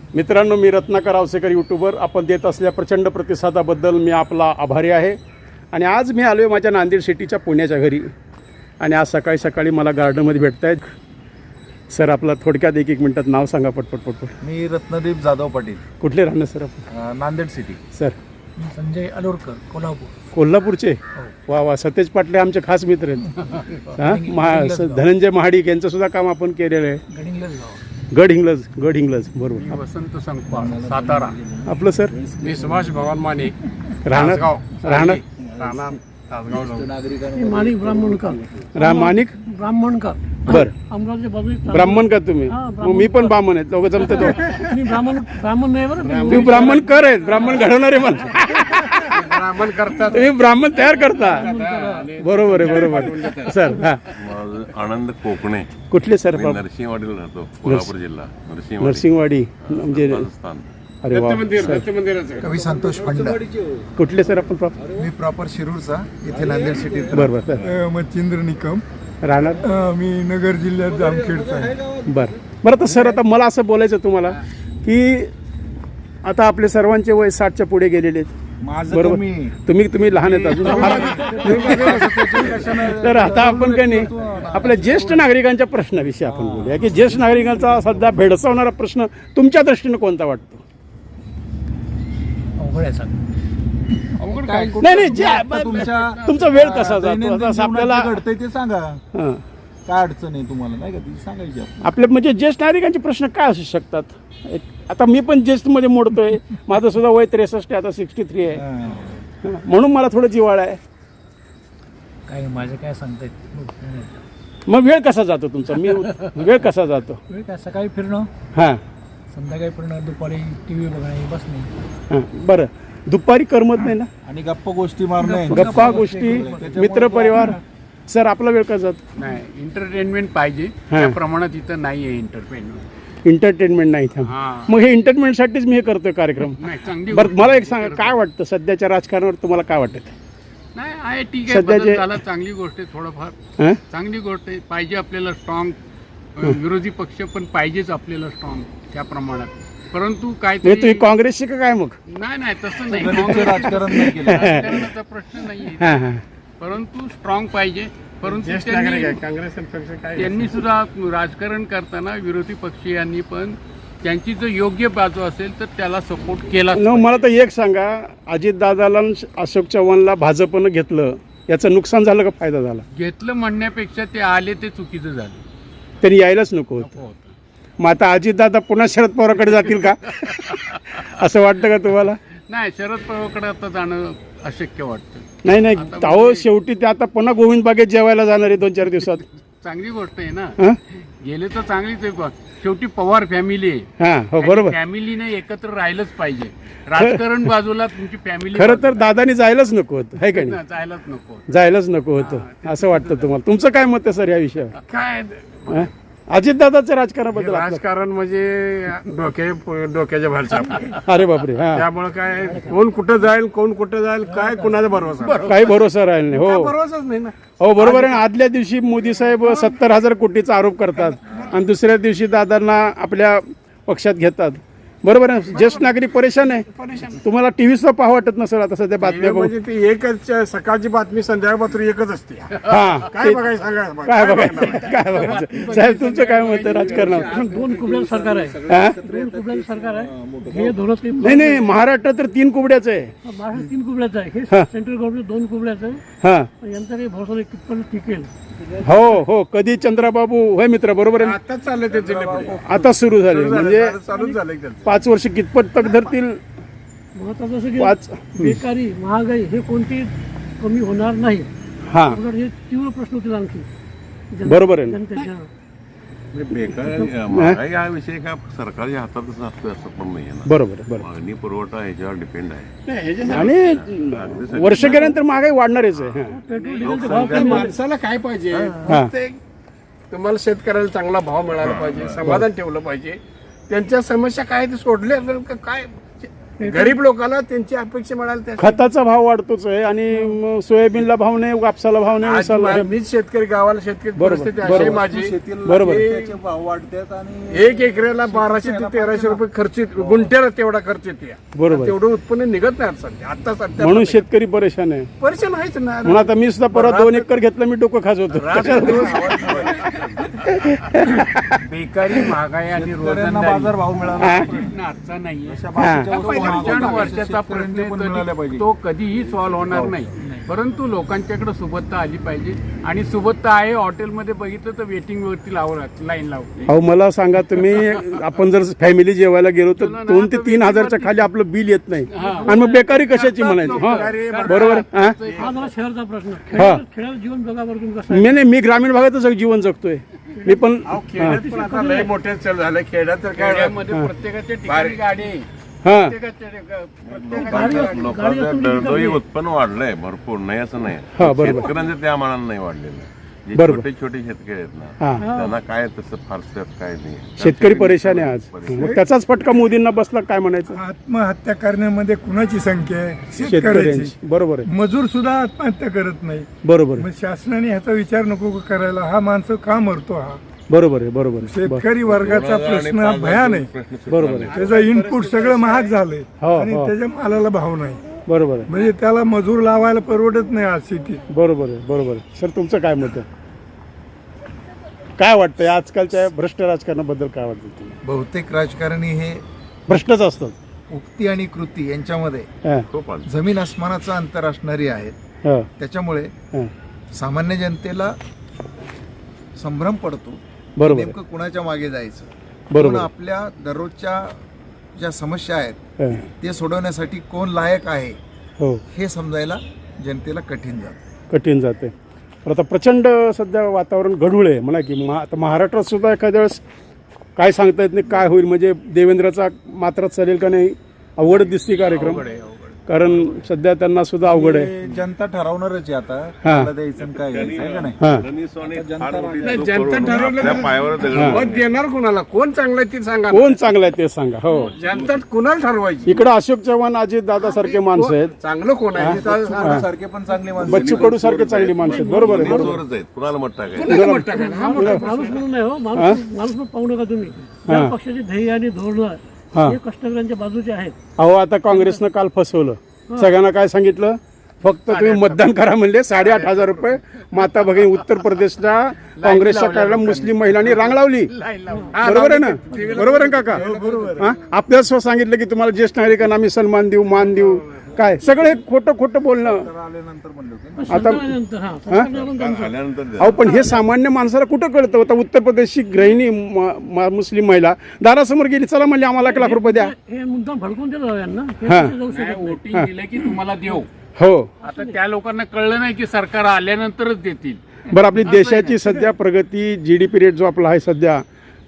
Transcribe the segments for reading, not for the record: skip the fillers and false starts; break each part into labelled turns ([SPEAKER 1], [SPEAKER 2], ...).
[SPEAKER 1] मित्रांनो, मी रत्नाकर आवसेकर यूट्यूबर. आपण देत असलेल्या प्रचंड प्रतिसादाबद्दल मी आपला आभारी आहे. आणि आज मी आलो आहे माझ्या नांदेड सिटीच्या पुण्याच्या घरी. आणि आज सकाळी सकाळी मला गार्डनमध्ये भेटत आहेत. सर, आपला थोडक्यात एक मिनिटात नाव सांगा पटपट.
[SPEAKER 2] मी रत्नदीप जाधव पाटील.
[SPEAKER 1] कुठले राहणार सर आपण?
[SPEAKER 2] नांदेड सिटी.
[SPEAKER 1] सर,
[SPEAKER 3] संजय अलोरकर, कोल्हापूर.
[SPEAKER 1] कोल्हापूरचे? वा वा, सतेज पाटले आमचे खास मित्र आहेत. हां, धनंजय महाडिक यांचं सुद्धा काम आपण केलेलं आहे. गडहिंग्लज बरोबर.
[SPEAKER 4] वसंत संकपाळ, सातारा.
[SPEAKER 1] आपलं सर?
[SPEAKER 4] मी सुभाष भगवान माने,
[SPEAKER 1] राहणार
[SPEAKER 3] माणिक ब्राह्मणकर.
[SPEAKER 1] माणिक
[SPEAKER 3] ब्राह्मणकर.
[SPEAKER 1] बर,
[SPEAKER 3] अमरावती बाजू.
[SPEAKER 1] ब्राह्मण का तुम्ही? मग मी पण ब्राह्मण आहे. दोघं जमते तो.
[SPEAKER 3] मी ब्राह्मण नाही बरं.
[SPEAKER 1] तुम्ही ब्राह्मण कर आहेत, ब्राह्मण घडवणारे मला.
[SPEAKER 4] ब्राह्मण करतात,
[SPEAKER 1] तुम्ही ब्राह्मण तयार करता. बरोबर आहे, बरोबर. सर, हा,
[SPEAKER 5] आनंद कोकणे.
[SPEAKER 1] कुठले सर?
[SPEAKER 5] नरसिंहवाडीला राहतो, कोल्हापूर जिल्हा.
[SPEAKER 1] नरसिंहवाडी म्हणजे
[SPEAKER 5] राजस्थान.
[SPEAKER 1] अरे वा.
[SPEAKER 2] कवी संतोष फंड.
[SPEAKER 1] कुठले सर आपण?
[SPEAKER 2] मी प्रॉपर शिरूरचा, इथे नांदेड सिटी.
[SPEAKER 1] बरोबर सर.
[SPEAKER 6] मच्छिंद्र निकम.
[SPEAKER 1] राहणार?
[SPEAKER 6] मी नगर जिल्ह्यात जामखेडचा आहे.
[SPEAKER 1] बरं तर सर, आता मला असं बोलायचं तुम्हाला की आता आपले सर्वांचे वय 60च्या पुढे गेलेले आहेत. बरोबर. तुम्ही लहान आहेत अजून. तर आता आपण काय नाही, आपल्या ज्येष्ठ नागरिकांच्या प्रश्नाविषयी आपण बोलूया की ज्येष्ठ नागरिकांचा सध्या भेडसावणारा प्रश्न तुमच्या दृष्टीने कोणता वाटतो? नाही, तुमचा वेळ कसा जातो असं आपल्याला
[SPEAKER 2] घडतंय ते सांगा.
[SPEAKER 1] हां,
[SPEAKER 2] काय अडचण आहे तुम्हाला, नाही का, ती सांगायची.
[SPEAKER 1] आपल्या म्हणजे ज्येष्ठ नागरिकांचे प्रश्न काय असू शकतात? आता मी पण ज्येष्ठमध्ये मोडतोय. माझं सुद्धा वय 63 आता 63 आहे. म्हणून मला थोडं जिव्हाळा आहे.
[SPEAKER 3] काय माझं काय सांगतायत.
[SPEAKER 1] मग वेळ कसा जातो तुमचा? वेळ कसा जातो?
[SPEAKER 3] वेळ काय, सकाळी फिरणं,
[SPEAKER 1] हां,
[SPEAKER 3] संध्याकाळी फिरणं, दुपारी टी व्ही बघणे, बसणे.
[SPEAKER 1] हां, बरं. दुपारी करमत नाही ना?
[SPEAKER 2] आणि गप्पा गोष्टी मारणे,
[SPEAKER 1] गप्पा गोष्टी, मित्रपरिवार. सर, आपला वेळ कसा जातो?
[SPEAKER 4] नाही, एंटरटेनमेंट पाहिजे
[SPEAKER 1] हां.
[SPEAKER 4] त्या प्रमाणात इथं नाही आहे एंटरटेनमेंट.
[SPEAKER 1] एंटरटेनमेंट नाही इथं.
[SPEAKER 4] हां.
[SPEAKER 1] मग हे एंटरटेनमेंटसाठीच मी हे करतोय कार्यक्रम.
[SPEAKER 4] नाही, चांगली
[SPEAKER 1] बरं,
[SPEAKER 4] गोष्ट
[SPEAKER 1] मला एक
[SPEAKER 4] आहे.
[SPEAKER 1] सांगा, काय वाटतं सध्याच्या राजकारणावर तुम्हाला काय वाटतं?
[SPEAKER 4] नाही आहे, ठीक आहे,
[SPEAKER 1] सध्याचे-
[SPEAKER 4] बदल झाला, चांगली गोष्ट आहे. थोडंफार
[SPEAKER 1] हां,
[SPEAKER 4] चांगली गोष्ट आहे. पाहिजे आपल्याला स्ट्रॉंग विरोधी पक्ष पण पाहिजेच आपल्याला स्ट्रॉंग त्या प्रमाणात. परंतु
[SPEAKER 1] म्हणजे
[SPEAKER 4] काहीतरी
[SPEAKER 1] तुम्ही काँग्रेसचे का काय मग?
[SPEAKER 4] नाही तसं नाही.
[SPEAKER 2] गलिच्छ राजकारण नाही केलं.
[SPEAKER 4] राजकारणाचा प्रश्न नाही,
[SPEAKER 1] हां हां,
[SPEAKER 4] परंतु स्ट्रॉंग पाहिजे. परंतु
[SPEAKER 1] ज्येष्ठ
[SPEAKER 4] त्यांनी-
[SPEAKER 1] नागरिक आहे, काँग्रेस पक्ष काय?
[SPEAKER 4] त्यांनी सुद्धा राजकारण करताना विरोधी पक्षीयांनी पण त्यांची जर योग्य बाजू असेल तर त्याला सपोर्ट केला.
[SPEAKER 1] मला तर एक सांगा, अजितदादाला आणि अशोक चव्हाणला भाजपनं घेतलं, याचं नुकसान झालं का फायदा झाला?
[SPEAKER 4] घेतलं म्हणण्यापेक्षा ते आले ते चुकीचं झालं.
[SPEAKER 1] त्यांनी यायलाच नको होतं. मग आता अजितदादा पुन्हा शरद पवारांकडे जातील का? असं वाटतं का तुम्हाला?
[SPEAKER 4] नाही, शरद पवारकडे आता जाणं अशक्य वाटतं.
[SPEAKER 1] नाही, अहो, शेवटी ते आता पुन्हा गोविंद बागेत जेवायला जाणार आहे 2-4 दिवसात.
[SPEAKER 4] चांगली गोष्ट आहे ना.
[SPEAKER 1] हां
[SPEAKER 4] गेले तर चांगलीच आहे. शेवटी पवार फॅमिली आहे.
[SPEAKER 1] हां, हो, बरोबर.
[SPEAKER 4] फॅमिलीने एकत्र राहिलंच पाहिजे. राजकारण बाजूला तुमची फॅमिली.
[SPEAKER 1] खरं तर दादानी जायलाच नको होतं, है का नाही?
[SPEAKER 4] जायलाच नको.
[SPEAKER 1] जायलाच नको होतं असं वाटतं तुम्हाला? तुमचं काय मत आहे सर या विषयावर?
[SPEAKER 4] काय
[SPEAKER 1] अजितदादाच्या राजकारणाबद्दल?
[SPEAKER 7] राजकारण म्हणजे डोक्याच्या भरच्या.
[SPEAKER 1] अरे बापरे. हां,
[SPEAKER 7] त्यामुळे काय, कोण कुठं जाईल काय कुणाचा भरोसा.
[SPEAKER 1] काही भरोसा राहिला नाही. हो,
[SPEAKER 7] भरोसाच नाही ना.
[SPEAKER 1] हो, बरोबर आहे. आदल्या दिवशी मोदी साहेब 70,000 कोटीचा आरोप करतात आणि दुसऱ्या दिवशी दादांना आपल्या पक्षात घेतात. बरोबर आहे. ज्येष्ठ नागरिक परेशान आहे. तुम्हाला टीव्ही सुद्धा पाहावं वाटत नसेल आता सध्या बातम्या बघून.
[SPEAKER 7] म्हणजे ती एकच, सकाळची बातमी संध्याकाळ बातमी एकच असते.
[SPEAKER 1] हां,
[SPEAKER 7] काय बघायचं सांगा.
[SPEAKER 1] काय बघायचं साहेब? तुमचं काय मत आहे राजकारणावर?
[SPEAKER 3] 2 कुबड्याचं सरकार आहे.
[SPEAKER 1] हां,
[SPEAKER 3] 2 कुबड्याचं सरकार आहे. हे धोरण
[SPEAKER 1] नाही, महाराष्ट्रात तर 3 कुबड्याचं आहे.
[SPEAKER 3] महाराष्ट्र 3 कुबड्याचं आहे. हे सेंट्रल गव्हर्नमेंट 2 कुबड्याचं आहे.
[SPEAKER 1] हां,
[SPEAKER 3] यांचा काही भरोसा नाही कितपर्यंत टिकेल.
[SPEAKER 1] हो, कधी चंद्रबाबू होय मित्र, बरोबर आहे.
[SPEAKER 7] आताच चाललंय ते जिल्हे
[SPEAKER 1] आता सुरू झाले म्हणजे
[SPEAKER 7] चालूच झालंय त्यांचं.
[SPEAKER 1] 5 वर्ष कितपत तक धरतील?
[SPEAKER 3] महत्वाचं असं
[SPEAKER 1] 5.
[SPEAKER 3] की बेकारी, महागाई हे कोणती कमी होणार नाही.
[SPEAKER 1] हां,
[SPEAKER 3] उलट हे तीव्र प्रश्न होतील आणखी
[SPEAKER 1] बरोबर आहे ना.
[SPEAKER 3] जनतेच्या.
[SPEAKER 5] बेकार महागाई हा विषय का सरकारच्या हातातच असतो असं पण नाही ना.
[SPEAKER 1] बरोबर आहे, बरोबर.
[SPEAKER 5] मागणी पुरवठा ह्याच्यावर डिपेंड आहे.
[SPEAKER 1] आणि वर्ष गेल्यानंतर महागाई वाढणारच आहे. हां,
[SPEAKER 3] पेट्रोल डिझेलचे भाव
[SPEAKER 7] त्या माणसाला काय पाहिजे?
[SPEAKER 1] हां.
[SPEAKER 7] तुम्हाला शेतकऱ्याला चांगला भाव मिळाला पाहिजे, समाधान ठेवलं पाहिजे. त्यांच्या समस्या काय ते सोडले काय गरीब लोकांना त्यांची अपेक्षा मिळाली त्या
[SPEAKER 1] खताचा भाव वाढतोच आहे आणि सोयाबीनला भाव नाही, कापसाला भाव नाही, उसाला नाही.
[SPEAKER 7] मीच शेतकरी गावाला शेतकरी
[SPEAKER 1] बरोबर,
[SPEAKER 7] परिस्थिती अशी आहे
[SPEAKER 1] बरोबर.
[SPEAKER 7] माझी.
[SPEAKER 2] शेतीला
[SPEAKER 1] बरोबर.
[SPEAKER 2] त्याचे भाव वाढतात आणि
[SPEAKER 7] 1 एकराला 1200 ते 1300 रुपये खर्च गुंठ्याला तेवढा खर्च येते.
[SPEAKER 1] बरोबर.
[SPEAKER 7] तेवढं उत्पन्न निघत नाही सध्या. आता सध्या
[SPEAKER 1] म्हणून शेतकरी परेशान आहे.
[SPEAKER 7] परेशान आहेच ना.
[SPEAKER 1] म्हणून आता मी सुद्धा परत 2 एकर घेतलं, मी डोकं खाजवतो.
[SPEAKER 4] बेकारी, महागाई आणि
[SPEAKER 2] शेतकऱ्यांना बाजार भाव मिळाला पाहिजे.
[SPEAKER 4] प्रश्न आजचा नाहीये.
[SPEAKER 2] अशा बाकीच्या
[SPEAKER 1] हा.
[SPEAKER 2] वस्तू महाग
[SPEAKER 4] 55
[SPEAKER 2] होतात.
[SPEAKER 4] वर्षाचा
[SPEAKER 2] शेतकऱ्यांना
[SPEAKER 4] प्रश्न
[SPEAKER 2] पण
[SPEAKER 4] आहे,
[SPEAKER 2] मिळाल्या
[SPEAKER 4] तरी
[SPEAKER 2] पाहिजे.
[SPEAKER 4] तो कधीही सॉल्व्ह होणार नाही. परंतु लोकांच्याकडे सुबत्ता आली पाहिजे आणि सुबत्ता आहे. हॉटेलमध्ये बघितलं तर वेटिंग वरती लाईन लावते.
[SPEAKER 1] अहो मला सांगा तुम्ही, आपण जर फॅमिली जेवायला गेलो तर 2 ते 3 हजारच्या खाली आपलं बिल येत नाही आणि मग बेकारी कशाची म्हणायची. हा बरोबर. हा
[SPEAKER 3] हा जरा शहरचा प्रश्न.
[SPEAKER 1] हा.
[SPEAKER 3] खेड्यात जीवन बघा बरं तुम्ही कसं आहे.
[SPEAKER 1] मी ग्रामीण भागातच जीवन जगतोय मी पण.
[SPEAKER 7] खेड्यात पण आता लय मोठे चल झालं. खेड्यात तर काय
[SPEAKER 4] खेड्यामध्ये प्रत्येकाच्या ठिकाणी गाडी आहे.
[SPEAKER 1] हा
[SPEAKER 5] लोकांचं दरडोई उत्पन्न वाढलंय भरपूर, नाही असं नाही.
[SPEAKER 1] हा, बरोबर.
[SPEAKER 5] शेतकऱ्यांचं त्या मानानं नाही वाढलेलं. जे
[SPEAKER 1] बरोबर.
[SPEAKER 5] छोटे छोटे शेतकरी आहेत ना,
[SPEAKER 1] हा.
[SPEAKER 5] त्यांना काय तसं फारसं काय नाही.
[SPEAKER 1] शेतकरी परेशान आहे आज. मग त्याचाच फटका मोदींना बसला काय म्हणायचं.
[SPEAKER 6] आत्महत्या करण्यामध्ये कुणाची संख्या आहे? शेतकऱ्याची.
[SPEAKER 1] शेतकऱ्यांची. बरोबर आहे.
[SPEAKER 6] मजूर सुद्धा आत्महत्या करत नाही.
[SPEAKER 1] बरोबर
[SPEAKER 6] मग
[SPEAKER 1] आहे.
[SPEAKER 6] शासनाने ह्याचा विचार नको का करायला? हा माणसं का मरतो? हा
[SPEAKER 1] बरोबर आहे. बरोबर आहे.
[SPEAKER 6] शेतकरी वर्गाचा प्रश्न हा भयान आहे.
[SPEAKER 1] बरोबर आहे.
[SPEAKER 6] त्याचं इनपुट सगळं महाग झालंय
[SPEAKER 1] हो,
[SPEAKER 6] आणि
[SPEAKER 1] हो.
[SPEAKER 6] त्याच्या मालाला भाव नाही.
[SPEAKER 1] बरोबर आहे.
[SPEAKER 6] म्हणजे त्याला मजूर लावायला परवडत नाही आज शेतीत.
[SPEAKER 1] बरोबर आहे. बरोबर आहे. सर तुमचं काय मत आहे? काय वाटतंय आजकालच्या भ्रष्ट राजकारणाबद्दल काय वाटतं तुम्हाला?
[SPEAKER 8] बहुतेक राजकारणी हे
[SPEAKER 1] भ्रष्टच असतात.
[SPEAKER 8] उक्ती आणि कृती यांच्यामध्ये
[SPEAKER 1] हा,
[SPEAKER 5] खूप आलं.
[SPEAKER 8] जमीन आसमानाचं अंतर असणारी आहेत.
[SPEAKER 1] हा,
[SPEAKER 8] त्याच्यामुळे
[SPEAKER 1] हा.
[SPEAKER 8] सामान्य जनतेला संभ्रम पडतो.
[SPEAKER 1] बरोबर आहे.
[SPEAKER 8] नेमकं कुणाच्या मागे जायचं.
[SPEAKER 1] बरोबर
[SPEAKER 8] कोण
[SPEAKER 1] आहे.
[SPEAKER 8] आपल्या दररोजच्या ज्या समस्या आहेत
[SPEAKER 1] हा,
[SPEAKER 8] ते सोडवण्यासाठी कोण लायक आहे
[SPEAKER 1] हो
[SPEAKER 8] हे समजायला जनतेला कठीण जातं.
[SPEAKER 1] कठीण जाते. पण आता प्रचंड सध्या वातावरण गढूळ आहे म्हणा की आता महाराष्ट्रात सुद्धा एखाद्या वेळेस काय सांगता येत नाही काय होईल. म्हणजे देवेंद्रचा मात्रात चालेल का नाही अवघड दिसते कार्यक्रम. कारण सध्या त्यांना सुद्धा अवघड आहे.
[SPEAKER 2] ते जनता ठरवणारच आहे आता
[SPEAKER 1] हा.
[SPEAKER 2] मला द्यायचं आणि काय घ्यायचं आहे का नाही.
[SPEAKER 1] हा,
[SPEAKER 5] धनीस्वानी फार मोठी
[SPEAKER 7] नाही,
[SPEAKER 5] चूक
[SPEAKER 7] जनता
[SPEAKER 5] करून
[SPEAKER 7] ठरवलं
[SPEAKER 5] आपल्या
[SPEAKER 7] तर-
[SPEAKER 5] पायावर दगड
[SPEAKER 1] हा.
[SPEAKER 7] मत देणार कुणाला? कोण चांगलं आहे ते सांगा.
[SPEAKER 1] कोण चांगलं आहे ते सांगा. हो
[SPEAKER 7] जनता कुणाला ठरवायची?
[SPEAKER 1] इकडे अशोक चव्हाण अजित दादा सारखे माणसं आहेत.
[SPEAKER 7] चांगलं कोण आहे ते सांगा.
[SPEAKER 2] सारखे पण चांगली माणसं.
[SPEAKER 1] बच्चू कडू सारखे चांगली माणसं आहेत. बरोबर आहे. बरोबर
[SPEAKER 5] जोरच आहेत. कुणाला मत टाकायचं?
[SPEAKER 7] कुणाला मत टाकायचं? हा मोठा प्रश्न.
[SPEAKER 3] माणूस म्हणून नाही हो, माणूस म्हणून पाहू नका तुम्ही. या पक्षाचे ध्येय आणि धोरण
[SPEAKER 1] हा.
[SPEAKER 3] हे कष्टकऱ्यांच्या बाजूचे आहेत.
[SPEAKER 1] अहो आता काँग्रेसनं काल फसवलं. सगळ्यांना काय सांगितलं? फक्त तुम्ही मतदान करा म्हणले. 8,500 रुपये माता भगिनी उत्तर प्रदेशच्या काँग्रेसच्या कार्यालयाला मुस्लिम महिलांनी रांग लावली. बरोबर आहे ना? बरोबर आहे काका? हा? आपल्याला स्वतः सांगितलं की तुम्हाला ज्येष्ठ नागरिकांना आम्ही सन्मान देऊ, मान देऊ. काय सगळे खोटं खोटं बोलणं.
[SPEAKER 2] आल्यानंतर म्हणलं होतं.
[SPEAKER 3] पण सरकारनंतर हा सरकारनं त्यांचं-
[SPEAKER 5] आल्यानंतर द्या.
[SPEAKER 1] अहो पण हे सामान्य माणसाला कुठं कळतं? आता उत्तर प्रदेशची गृहिणी मुस्लिम महिला दारासमोर गेली, चला म्हणली आम्हाला 1 लाख रुपये द्या.
[SPEAKER 3] हे मुद्दाम भडकून दिलं यांना. हे
[SPEAKER 1] हा.
[SPEAKER 3] कसे जाऊ शकत नाही.
[SPEAKER 4] वोटिंग दिलं की तुम्हाला देऊ.
[SPEAKER 1] हो
[SPEAKER 4] आता त्या लोकांना कळलं नाही की सरकार आल्यानंतरच देतील.
[SPEAKER 1] बरं. आपली देशाची सध्या प्रगती GDP रेट जो आपला आहे सध्या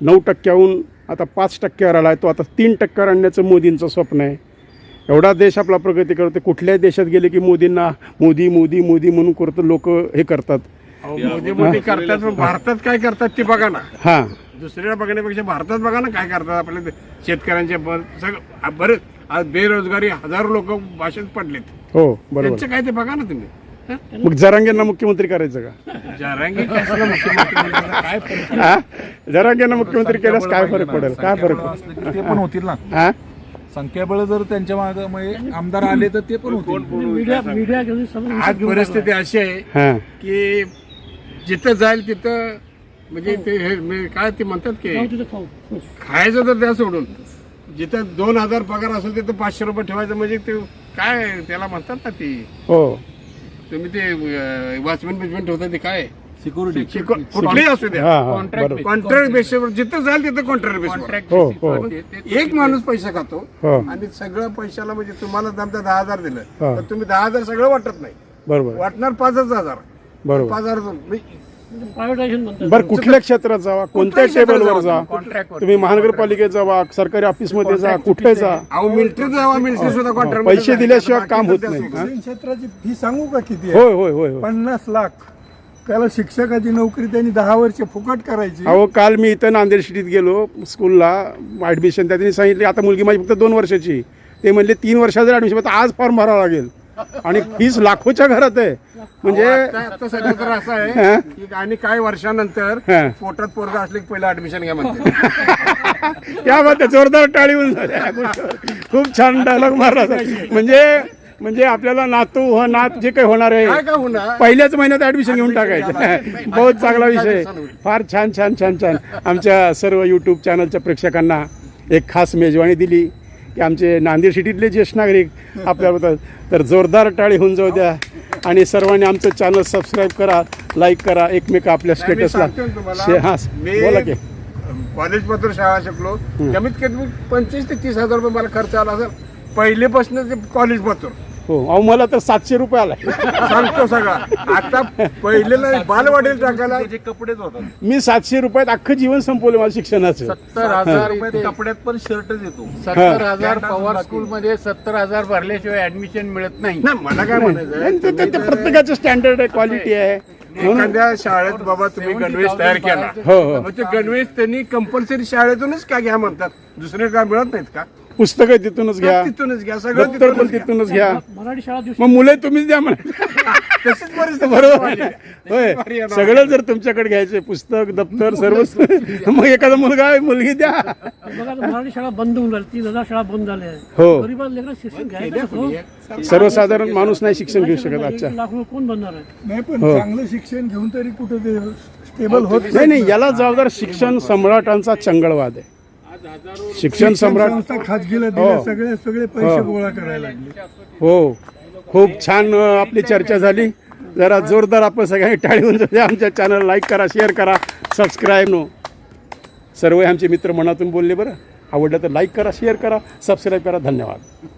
[SPEAKER 1] 9% आता 5% आला आहे. तो आता 3% आणण्याचं मोदींचं स्वप्न आहे. एवढा देश आपला प्रगती करतो. कुठल्याही देशात गेले की मोदींना मोदी मोदी मोदी म्हणून करतो लोक हे करतात.
[SPEAKER 7] मोदी मोदी करतात पण भारतात काय करतात ते बघा ना.
[SPEAKER 1] हां
[SPEAKER 7] दुसऱ्या बघण्यापेक्षा भारतात बघा ना काय करतात आपल्या शेतकऱ्यांच्या सगळं बरेच आज बेरोजगारी हजारो लोक भाषेत पडलेत.
[SPEAKER 1] हो बरोबर.
[SPEAKER 7] त्यांचं काय ते बघा ना तुम्ही.
[SPEAKER 1] मग जरांगेंना मुख्यमंत्री करायचं का?
[SPEAKER 7] जरांगी कशाला मुख्यमंत्री बनायचं? काय फरक?
[SPEAKER 1] हा? जरांगेंना मुख्यमंत्री केल्यास काय फरक पडेल? काय फरक
[SPEAKER 2] असलं की ते पण होतील ना.
[SPEAKER 1] हा?
[SPEAKER 2] संख्याबळ जर त्यांच्या मागे आमदार आले तर ते पण होतील.
[SPEAKER 3] मीडिया घेऊन समज
[SPEAKER 7] आज परिस्थिती अशी आहे
[SPEAKER 1] हा.
[SPEAKER 7] की जिथं जाईल तिथं म्हणजे ते हे काय ते म्हणतात की
[SPEAKER 3] खाऊ तिथं खाऊ.
[SPEAKER 7] खायचं तर त्या सोडून जिथं 2,000 पगार असेल तिथं 500 रुपये ठेवायचं म्हणजे ते काय त्याला म्हणतात ना ती
[SPEAKER 1] हो
[SPEAKER 7] तुम्ही ते वॉचमॅन बिचमॅन ठेवता ते काय
[SPEAKER 2] सिक्युरिटी
[SPEAKER 7] कुठलेही असू द्या.
[SPEAKER 1] हा हा बरोबर.
[SPEAKER 7] कॉन्ट्रॅक्ट बेसवर जिथं जाईल तिथं कॉन्ट्रॅक्ट बेसवर.
[SPEAKER 4] कॉन्ट्रॅक्ट
[SPEAKER 1] हो हो
[SPEAKER 7] एक माणूस पैसे खातो
[SPEAKER 1] हो
[SPEAKER 7] आणि सगळं पैशाला म्हणजे तुम्हाला समजा 10,000 दिलं
[SPEAKER 1] हा.
[SPEAKER 7] तर तुम्ही 10,000 सगळं वाटत नाही.
[SPEAKER 1] बरोबर
[SPEAKER 7] वाटणार 5,000
[SPEAKER 1] बरोबर.
[SPEAKER 7] 5,000
[SPEAKER 3] प्रायव्हेटायझेशन म्हणतात.
[SPEAKER 1] बरं कुठल्या क्षेत्रात जावा, कोणत्या
[SPEAKER 7] कुठल्याही क्षेत्रात
[SPEAKER 1] टेबलवर जा,
[SPEAKER 7] जावा.
[SPEAKER 4] कॉन्ट्रॅक्ट
[SPEAKER 1] तुम्ही महानगरपालिकेत जावा, सरकारी ऑफिसमध्ये जा, कुठे जा,
[SPEAKER 7] अहो मिलिटरीत जावा, मिलिटरी सुद्धा कॉन्ट्रॅक्ट
[SPEAKER 1] पैसे दिल्याशिवाय काम होत नाही. हा?
[SPEAKER 6] शिक्षण क्षेत्राची फी सांगू का किती आहे?
[SPEAKER 1] होय होय होय होय.
[SPEAKER 6] 50 लाख. त्याला शिक्षकाची नोकरी त्यांनी 10 वर्ष फुकट करायची.
[SPEAKER 1] अहो काल मी इथं नांदेड सिटीत गेलो स्कूलला ॲडमिशन. त्यांनी सांगितले आता मुलगी माझी फक्त 2 वर्षाची ते म्हणले 3 वर्षाचं ॲडमिशन, तर आज फॉर्म भरावा लागेल आणि फीस लाखोच्या घरात आहे. म्हणजे
[SPEAKER 7] आता सध्या तर असं आहे की आणि काही वर्षानंतर
[SPEAKER 1] हा.
[SPEAKER 7] पोटात पोरगा असले की पहिलं ऍडमिशन घ्या म्हणते.
[SPEAKER 1] क्या बात आहे, जोरदार टाळी होऊन झाल्या या गोष्टीवर. खूप छान डायलॉग मारला सर. म्हणजे आपल्याला नात जे काही होणार
[SPEAKER 7] काय
[SPEAKER 1] आहे
[SPEAKER 7] काय होणार
[SPEAKER 1] पहिल्याच महिन्यात ऍडमिशन घेऊन टाकायचं. बहुत चांगला विषय, फार छान छान छान छान. आमच्या सर्व यूट्यूब चॅनलच्या प्रेक्षकांना एक खास मेजवानी दिली की आमचे नांदेड सिटीतले ज्येष्ठ नागरिक आपल्याबद्दल, तर जोरदार टाळी होऊन जाऊ द्या आणि सर्वांनी आमचं चॅनल सबस्क्राईब करा, लाईक करा, एकमेक आपल्या स्टेटसला हां बोला की.
[SPEAKER 7] कॉलेज पत्र शाळा शिकलो, कमीत कमी 25 ते 30 हजार रुपये मला खर्च आला असेल पहिलेपासून ते कॉलेज पत्र.
[SPEAKER 1] हो, अहो मला तर 700 रुपये आला.
[SPEAKER 7] सांगतो सगळा. आता पहिलेला बालवाडीला टाकायला
[SPEAKER 2] कपडेच होतात.
[SPEAKER 1] मी 700 रुपयात अख्खं जीवन संपवलं माझं शिक्षणाचं.
[SPEAKER 4] 70,000 इथे,
[SPEAKER 2] कपड्यात पण शर्टच येतो.
[SPEAKER 4] 70,000 पवार स्कूलमध्ये 70,000 भरल्याशिवाय ऍडमिशन मिळत नाही.
[SPEAKER 7] नाही मला काय म्हणायचं
[SPEAKER 1] आणि ते प्रत्येकाचं स्टँडर्ड आहे, क्वालिटी आहे.
[SPEAKER 7] एखाद्या शाळेत बाबा तुम्ही गणवेश तयार केला,
[SPEAKER 1] हो हो,
[SPEAKER 7] मग ते गणवेश त्यांनी कंपल्सरी शाळेतूनच का घ्या म्हणतात, दुसरे काय मिळत नाहीत का?
[SPEAKER 1] पुस्तकं तिथूनच घ्या,
[SPEAKER 7] तिथूनच घ्या, सगळं
[SPEAKER 1] दप्तर पण
[SPEAKER 7] तिथूनच घ्या.
[SPEAKER 1] तिथूनच घ्या.
[SPEAKER 3] मराठी शाळा
[SPEAKER 1] मग मुलं तुम्हीच द्या म्हणा.
[SPEAKER 7] तशीच परिस्थिती
[SPEAKER 1] बरोबर
[SPEAKER 7] झाली.
[SPEAKER 1] आहे. होय, सगळं जर तुमच्याकडे घ्यायचे, पुस्तक दप्तर सर्व, मग एखादा मुलगा मुलगी द्या.
[SPEAKER 3] बघा आता मराठी शाळा बंद होऊन राहिली, 3,000 शाळा बंद झाल्या आहे.
[SPEAKER 1] हो,
[SPEAKER 3] गरीबाला लेकरं शिक्षण घ्यायचं कसं?
[SPEAKER 1] सर्वसाधारण माणूस नाही शिक्षण घेऊ शकत आजच्या.
[SPEAKER 3] 1 लाख रुपये कोण बनणार आहे?
[SPEAKER 6] नाही पण
[SPEAKER 1] हो.
[SPEAKER 6] चांगलं शिक्षण घेऊन तरी कुठं ते स्टेबल होत
[SPEAKER 1] नाही नाही, याला जबाबदार शिक्षण सम्राटांचा चंगळवाद आहे. शिक्षण सम्राट
[SPEAKER 6] संस्था खाजगीला
[SPEAKER 1] हो.
[SPEAKER 6] दिल्या, सगळे पैसे गोळा करायला लागले.
[SPEAKER 1] हो, खूप छान आपली चर्चा झाली. जरा जोरदार आपण सगळ्यांनी टाळी होऊन जाऊ द्या. आमच्या चॅनल लाईक करा, शेअर करा, सबस्क्राईब सर्व आमचे मित्र मनातून बोलले. बरं आवडलं तर लाईक करा, शेअर करा, सबस्क्राईब करा. धन्यवाद.